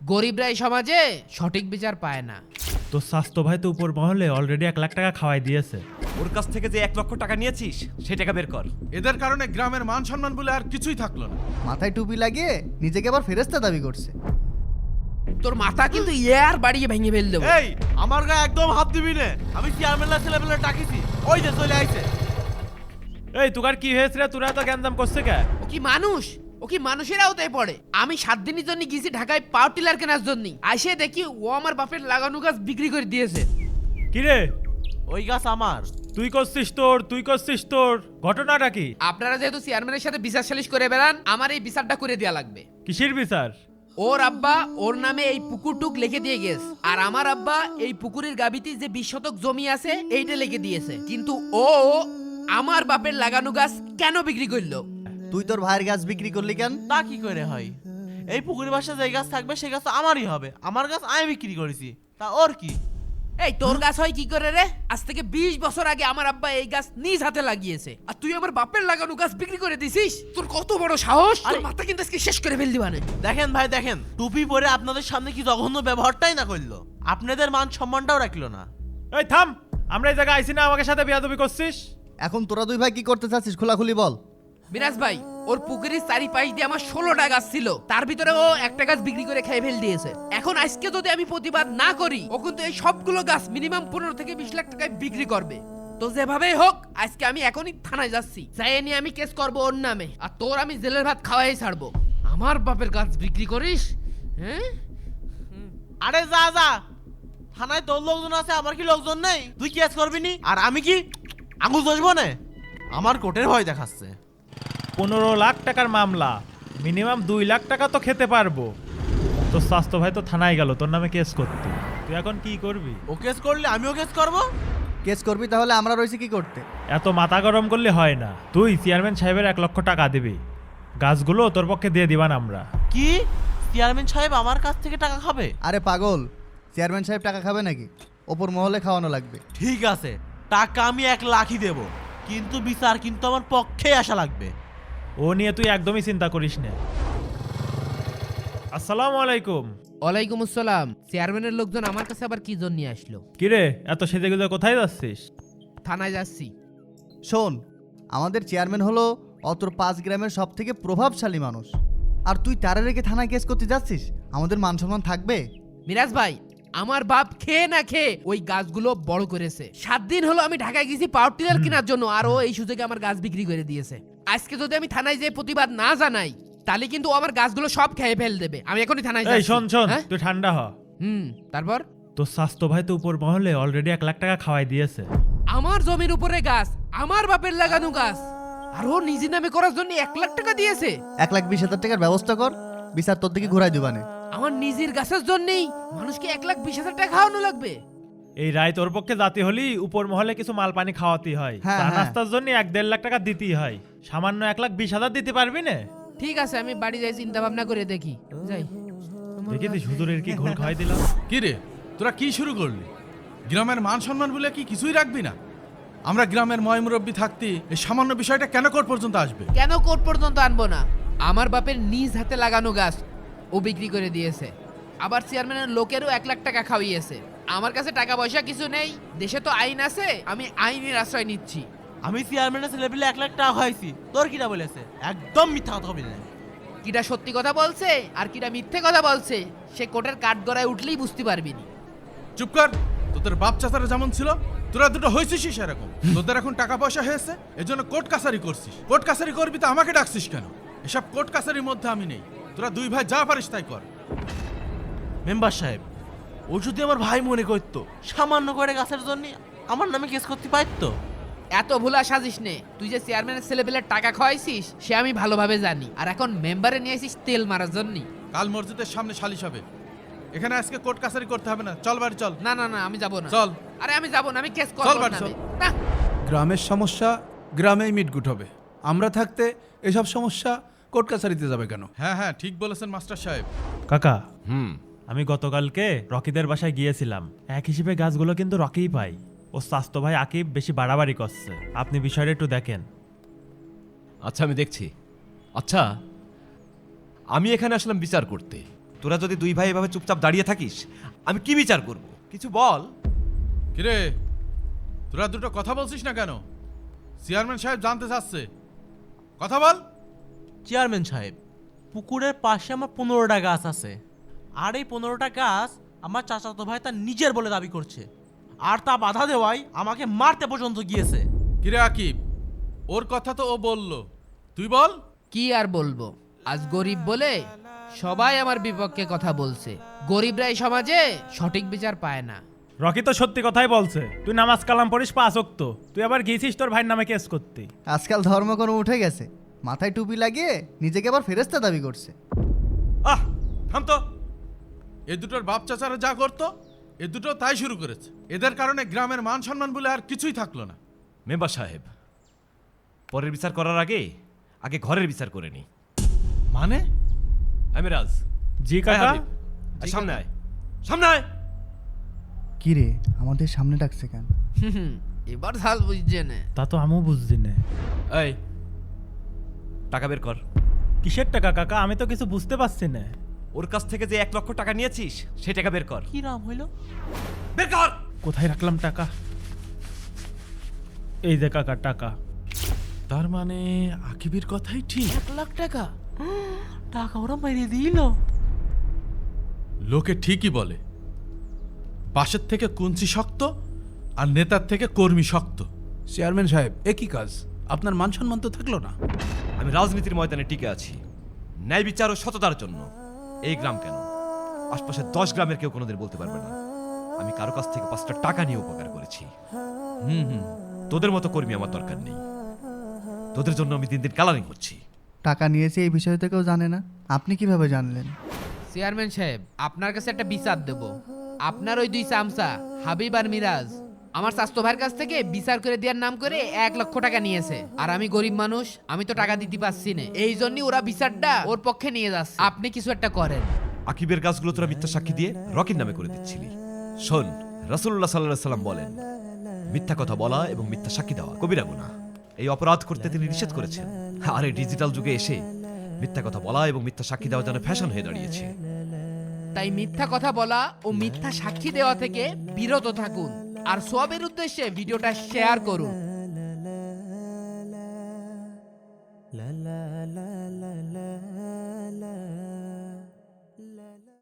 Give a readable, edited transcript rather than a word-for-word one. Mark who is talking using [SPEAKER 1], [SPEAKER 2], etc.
[SPEAKER 1] গরিবরা এই সমাজে সঠিক বিচার পায় না।
[SPEAKER 2] তো স্বাস্থ্য ভাই তো উপর মহলে অলরেডি 1 লাখ টাকা খাওয়াই দিয়েছে।
[SPEAKER 3] ওর কাছ থেকে যে 1 লক্ষ টাকা নিয়েছিস সেই টাকা বের কর।
[SPEAKER 4] এদের কারণে গ্রামের মান সম্মান বলে আর কিছুই থাকলো না।
[SPEAKER 5] মাথায় টুপি লাগিয়ে নিজেকে আবার ফেরেশতা দাবি করছে।
[SPEAKER 1] তোর মাথা কিন্তু ইয়ার বাড়িয়ে ভেঙে ফেল দেবো।
[SPEAKER 3] এই আমার গায়ে একদম হাত দিবি না, আমি চেয়ারম্যান ছেলেবেলে ডাকিছি, ওই যে চলে আইছে।
[SPEAKER 2] এই তোকার কি হয়েছে রে, তোরা তো গ্যাঞ্জাম করছে কে?
[SPEAKER 1] ও কি মানুষ? ও কি মানুষের আওতায় পড়ে? আমি 7 দিনের জন্য গেছি ঢাকায় পাওয়ার টিলার কেনার জন্য, আইসে দেখি ও আমার বাপের লাগানো গাছ বিক্রি করে দিয়েছে।
[SPEAKER 2] কি রে
[SPEAKER 3] ওই গাছ আমার।
[SPEAKER 2] তুই করছিস তোর ঘটনাটা কি?
[SPEAKER 1] আপনারা যেহেতু চেয়ারম্যানের সাথে বিচার সালিশ করে বেড়ান, আমার এই বিচারটা করে দেয়া লাগবে।
[SPEAKER 2] কিসের বিচার?
[SPEAKER 1] ওর আব্বা ওর নামে এই পুকুরটুক লিখে দিয়ে গেছে, আর আমার আব্বা এই পুকুরের গাবিতে যে 20 শতক জমি আছে এইটা লিখে দিয়েছে। কিন্তু ও আমার বাপের লাগানো গাছ কেন বিক্রি করলো?
[SPEAKER 5] তুই তোর ভাইয়ের গাছ বিক্রি করলি কেন?
[SPEAKER 3] তা কি করে হয়? এই পুকুরের পাশে যে গাছ থাকবে সেই গাছ আমারই হবে। আমার গাছ আমি বিক্রি করেছি, তা ওর কি?
[SPEAKER 1] এই তোর গাছ হয় কি করে রে? আজ থেকে 20 বছর আগে আমার আব্বা এই গাছ নিজ হাতে লাগিয়েছে, আর তুই আমার বাপের লাগানো গাছ বিক্রি করে দিছিস? তোর কত বড় সাহস! তোর মাথা কিন্তু আজকে শেষ করে ফেল দিবানে।
[SPEAKER 3] দেখেন ভাই দেখেন, টুপি পরে আপনাদের সামনে কি জঘন্য ব্যবহারটাই না করলো, আপনাদের মান সম্মানটাও রাখলো না।
[SPEAKER 2] এই থাম, আমরা এই জায়গায় আইছি না আমাকে সাথে বিয়াদবি করছিস?
[SPEAKER 5] এখন তোরা দুই ভাই কি করতে চাচ্ছিস খোলাখুলি বল।
[SPEAKER 1] বিরাজ ভাই, ওর পুকুরের চারিপাশ দিয়ে আমার 16টা গাছ ছিল, তার ভিতরে ও একটা গাছ বিক্রি করে খেয়ে ফেল দিয়েছে। এখন আজকে যদি আমি প্রতিবাদ না করি, ও কিন্তু এই সবগুলো গাছ মিনিমাম 15 থেকে 20 লাখ টাকায় বিক্রি করবে। তো যেভাবেই হোক আজকে আমি এখনই থানায় যাচ্ছি, যাই নিয়ে আমি কেস করব ওর নামে, আর তোর আমি জেলের ভাত খাওয়াই ছাড়বো। আমার বাপের গাছ বিক্রি করিস? হ্যাঁ,
[SPEAKER 3] আরে যা যা, থানায় তোর লোকজন আছে, আমার কি লোকজন নেই? তুই কেস করবি নি, আর আমি কি আঙুল দোষবো না? আমার কোর্টের ভয় দেখাচ্ছে।
[SPEAKER 2] 15 লাখ টাকার মামলা, মিনিমাম 2 লাখ টাকা তো খেতে পারবো। তোর স্বাস্থ্য ভাই তো থানায় গেল তোর নামে কেস করতে, তুই এখন কি করবি?
[SPEAKER 3] ও কেস করলে আমিও কেস করবো।
[SPEAKER 5] কেস করবি তাহলে আমরা রয়েছি কি করতে?
[SPEAKER 2] এত মাথা গরম করলে হয় না। তুই চেয়ারম্যান সাহেবের 1 লক্ষ টাকা দিবি, গাছগুলো তোর পক্ষে দিয়ে দিবান আমরা।
[SPEAKER 3] কি চেয়ারম্যান সাহেব আমার কাছ থেকে টাকা খাবে?
[SPEAKER 5] আরে পাগল, চেয়ারম্যান সাহেব টাকা খাবে নাকি? ওপর মহলে খাওয়ানো লাগবে।
[SPEAKER 3] ঠিক আছে, টাকা আমি 1 লাখই দেব, কিন্তু বিচার কিন্তু আমার পক্ষে আসা লাগবে।
[SPEAKER 2] ও নিয়ে তুই একদমই চিন্তা করিস না। আসসালামু আলাইকুম।
[SPEAKER 1] ওয়ালাইকুম আসসালাম। চেয়ারম্যানের লোকজন আমার কাছে আবার কি জন্য নিয়ে আসলো?
[SPEAKER 2] কিরে এত সেজে গুজে কোথায় যাচ্ছিস?
[SPEAKER 1] থানায় যাচ্ছি।
[SPEAKER 5] শোন, আমাদের চেয়ারম্যান হলো অতর 5 গ্রামের সব থেকে প্রভাবশালী মানুষ, আর তুই তারে রেখে থানায় কেস করতে যাচ্ছিস? আমাদের মান সম্মান থাকবে?
[SPEAKER 1] মিরাজ ভাই, আমার বাপ খেয়ে না খেয়ে ওই গাছগুলো বড় করেছে। 7 দিন হলো আমি ঢাকায় গেছি পাওয়ার টিলার কেনার জন্য, আর ও এই সুযোগে আমার গাছ বিক্রি করে দিয়েছে। আজকে যদি আমি থানায় যেয়ে প্রতিবাদ না জানাই, তাহলে কিন্তু ও আমার গাছগুলো সব খেয়ে ফেল দেবে। আমি এখনই থানায়
[SPEAKER 2] এই
[SPEAKER 1] যাচ্ছি।
[SPEAKER 2] শোন
[SPEAKER 1] হ্যাঁ?
[SPEAKER 2] তুই ঠান্ডা হ।
[SPEAKER 1] তারপর
[SPEAKER 2] তোর স্বাস্থ্য ভাই তো উপর মহলে অলরেডি 1 লাখ টাকা খাওয়াই দিয়েছে।
[SPEAKER 1] আমার জমির উপরে গাছ, আমার বাপের লাগানো গাছ, আর ও নিজে নামে করার জন্য 1 লাখ টাকা দিয়েছে।
[SPEAKER 5] 1,20,000 টাকার ব্যবস্থা কর, বিচার তোর দিকে ঘুরাই দিবানে।
[SPEAKER 1] আমার নিজের গাছের জন্যই মানুষকে 1,20,000 টাকা খাওয়ানো লাগবে?
[SPEAKER 2] এই রায় তোর পক্ষে জাতি হলি উপর মহলে কিছু মাল পানি খাওয়াতেই হয়,
[SPEAKER 5] হ্যাঁ,
[SPEAKER 2] চা
[SPEAKER 5] হ্যাঁ।
[SPEAKER 2] নাস্তার জন্য 1-1.5 লাখ টাকা দিতেই হয়। সামান্য 1,20,000 দিতে পারবি না?
[SPEAKER 1] ঠিক আছে, আমি বাড়ি যাই চিন্তা ভাবনা করে দেখি। যাই।
[SPEAKER 2] দেখিস হুজুরের কি ঘোল খাওয়াই দিলাম।
[SPEAKER 4] কি রে, তোরা কি শুরু করলি? গ্রামের মান সম্মান বলে কি কিছুই রাখবি না? আমরা গ্রামের ময়মুরব্বী থাকতে এই সামান্য বিষয়টা কেন কোর্ট পর্যন্ত আসবে?
[SPEAKER 1] কেন কোর্ট পর্যন্ত আনবো না? আমার বাপের নিজ হাতে লাগানো গাছ ও বিক্রি করে দিয়েছে, আবার চেয়ারম্যানের লোকেরও 1 লাখ টাকা খাওয়িয়েছে। আমার কাছে টাকা পয়সা কিছু নেই, দেশে তো আইন আছে, আমি আইনের আশ্রয় নিচ্ছি।
[SPEAKER 3] আমি চেয়ারম্যানের ছেলেবেলে 1 লাখ টাকা খাইছি, তোর কিটা বলেছে? একদম মিথ্যা কথা বলি না।
[SPEAKER 1] কিটা সত্যি কথা বলছে আর কিটা মিথ্যে কথা বলছে, সে কোর্টের কাঠগড়ায় উঠলেই বুঝতে পারবি নি।
[SPEAKER 4] চুপ কর। তোদের বাপ চাচারা যেমন ছিল তোরা দুটো হয়েছিস সেরকম। তোদের এখন টাকা পয়সা হয়েছে, এজন্য কোর্ট কাছারি করছিস। কোর্ট কাছারি করবি তো আমাকে ডাকছিস কেন? এসব কোর্ট কাছারির মধ্যে আমি নেই। তোরা দুই ভাই যা পারিস তাই কর।
[SPEAKER 3] মেম্বার সাহেব, ও যদি আমার ভাই মনে করতো, সামান্য করে গাছের জন্য আমার নামে কেস করতে পারতো।
[SPEAKER 1] এত ভুলা সাজিস নে। তুই যে চেয়ারম্যানের ছেলেপেলের টাকা খাওয়াইছিস সে আমি ভালোভাবে জানি, আর এখন মেম্বারে নিয়ে আসিস তেল মারার জন্য।
[SPEAKER 4] কাল মসজিদের সামনে সালিশ হবে, এখানে আজকে কোর্ট কাছারি করতে হবে না। চল বাড়ি চল।
[SPEAKER 1] না না না, আমি যাব না।
[SPEAKER 4] চল।
[SPEAKER 1] আরে আমি যাব না, আমি কেস
[SPEAKER 4] চল
[SPEAKER 1] করব
[SPEAKER 4] বাড়ি
[SPEAKER 1] না।
[SPEAKER 4] চল।
[SPEAKER 1] না,
[SPEAKER 6] গ্রামের সমস্যা গ্রামেই মিটগুট হবে। আমরা থাকতে এসব সমস্যা কোর্ট কাছারিতে যাবে কেন?
[SPEAKER 4] হ্যাঁ হ্যাঁ, ঠিক বলেছেন মাস্টার সাহেব।
[SPEAKER 2] কাকা, আমি গতকালকে রকিদের বাসায় গিয়েছিলাম। এক হিসেবে গাছগুলো কিন্তু রকিই পাই। ও স্বাস্থ্য ভাই আকিব বেশি বাড়াবাড়ি করছে, আপনি বিষয়টা একটু দেখেন।
[SPEAKER 7] আচ্ছা আমি দেখছি। আচ্ছা আমি এখানে আসলাম বিচার করতে, তোরা যদি দুই ভাই এভাবে চুপচাপ দাঁড়িয়ে থাকিস আমি কি বিচার করব কিছু বল।
[SPEAKER 4] কিরে তোরা দুটো কথা বলছিস না কেন? চেয়ারম্যান সাহেব জানতে চাচ্ছে, কথা বল।
[SPEAKER 3] চেয়ারম্যান সাহেব, পুকুরের পাশে আমার 15টা গাছ আছে, আর এই 15টা গাছ আমার চাচাতো ভাই তার নিজের বলে দাবি করছে, আর তা বাধা দেওয়াই আমাকে মারতে পর্যন্ত গিয়েছে।
[SPEAKER 4] কিরে আকিব, ওর কথা তো ও বললো, তুই বল।
[SPEAKER 1] কি আর বলবো, আজ গরিব বলে সবাই আমার বিপক্ষে কথা বলছে। গরিবরা এই সমাজে সঠিক বিচার পায় না।
[SPEAKER 2] রকি তো সত্যি কথাই বলছে, তুই নামাজ কালাম পড়িস 5 ওয়াক্ত, তুই আবার গিয়েছিস তোর ভাইয়ের নামে কেস করতে।
[SPEAKER 5] আজকাল ধর্মকর্ম উঠে গেছে, মাথায় টুপি লাগিয়ে নিজেকে আবার ফেরেস্তা দাবি করছে।
[SPEAKER 7] আহ থাম তো।
[SPEAKER 4] এ দুটোর বাপ চাচারা যা করতো এ দুটো তাই শুরু করেছে। এদের কারণে গ্রামের মান সম্মান বলে আর কিছুই থাকলো না।
[SPEAKER 7] মেম্বার সাহেব, পরের বিচার করার আগে আগে ঘরের বিচার করে নি।
[SPEAKER 4] মানে?
[SPEAKER 7] আমি রাজ।
[SPEAKER 2] জি
[SPEAKER 7] আয়
[SPEAKER 2] কাকা।
[SPEAKER 7] হাবিব, আয় সামনে আয়, সামনে আয়।
[SPEAKER 5] কি রে, আমাদের সামনে ডাকছে কেন?
[SPEAKER 1] এবার হাল বুঝছে না।
[SPEAKER 2] তা তো আমিও বুঝছি না।
[SPEAKER 7] এই টাকা বের কর।
[SPEAKER 2] কিসের টাকা কাকা, আমি তো কিছু বুঝতে পারছি না।
[SPEAKER 7] ওর কাছ থেকে যে 1 লক্ষ টাকা নিয়েছিস সেই টাকা বের কর।
[SPEAKER 3] কি রাম হইল?
[SPEAKER 7] বের কর।
[SPEAKER 2] কোথায় রাখলাম টাকা? এই যে কাকা টাকা।
[SPEAKER 4] তার মানে আকিবের কথাই ঠিক।
[SPEAKER 1] 1 লাখ টাকা?
[SPEAKER 3] টাকা ওরা মেরে দিল।
[SPEAKER 4] লোকে ঠিকই বলে, পাশের থেকে কুঞ্চি শক্ত আর নেতার থেকে কর্মী শক্ত।
[SPEAKER 6] চেয়ারম্যান সাহেব, একই কাজ, আপনার মান সম্মান তো থাকলো না।
[SPEAKER 7] আমি রাজনীতির ময়দানে টিকে আছি ন্যায় বিচার ও সততার জন্য। এই গ্রাম কেন, আশপাশের 10 গ্রামের কেউ কোনোদিন বলতে পারবে না আমি কারো কাছ থেকে 5টা টাকা নিয়ে উপকার করেছি। তোদের মতো কর্মী আমার দরকার নেই। তোদের জন্য আমি দিন দিন কালারিং করছি।
[SPEAKER 5] টাকা নিয়েছে এই বিষয়টা কেউ জানে না, আপনি কিভাবে জানলেন?
[SPEAKER 1] চেয়ারম্যান সাহেব, আপনার কাছে একটা বিচার দেব। আপনার ওই 2 চামচা হাবিব আর মিরাজ আমার স্বাস্থ্য ভাইয়ের কাছ থেকে বিচার করে দেওয়ার নাম করে 1 লক্ষ টাকা নিয়েছে। আর আমি গরিব মানুষ, আমি তো টাকা দিতে পারছি না, এই জন্যই ওরা বিচারটা ওর পক্ষে নিয়ে যাচ্ছে। আপনি কিছু একটা করেন।
[SPEAKER 7] আকিবের গাছগুলো তোরা মিথ্যা সাক্ষী দিয়ে রকির নামে করে দিচ্ছিলি। শোন, রাসূলুল্লাহ সাল্লাল্লাহু আলাইহি সাল্লাম বলেন, মিথ্যা কথা বলা এবং মিথ্যা সাক্ষী দেওয়া কবিরা গুনাহ। এই অপরাধ করতে তিনি নিষেধ করেছেন। আর এই ডিজিটাল যুগে এসে মিথ্যা কথা বলা এবং মিথ্যা সাক্ষী দেওয়া যেন ফ্যাশন হয়ে দাঁড়িয়েছে।
[SPEAKER 1] তাই মিথ্যা কথা বলা ও মিথ্যা সাক্ষী দেওয়া থেকে বিরত থাকুন, আর সবের উদ্দেশ্যে ভিডিওটা শেয়ার করুন।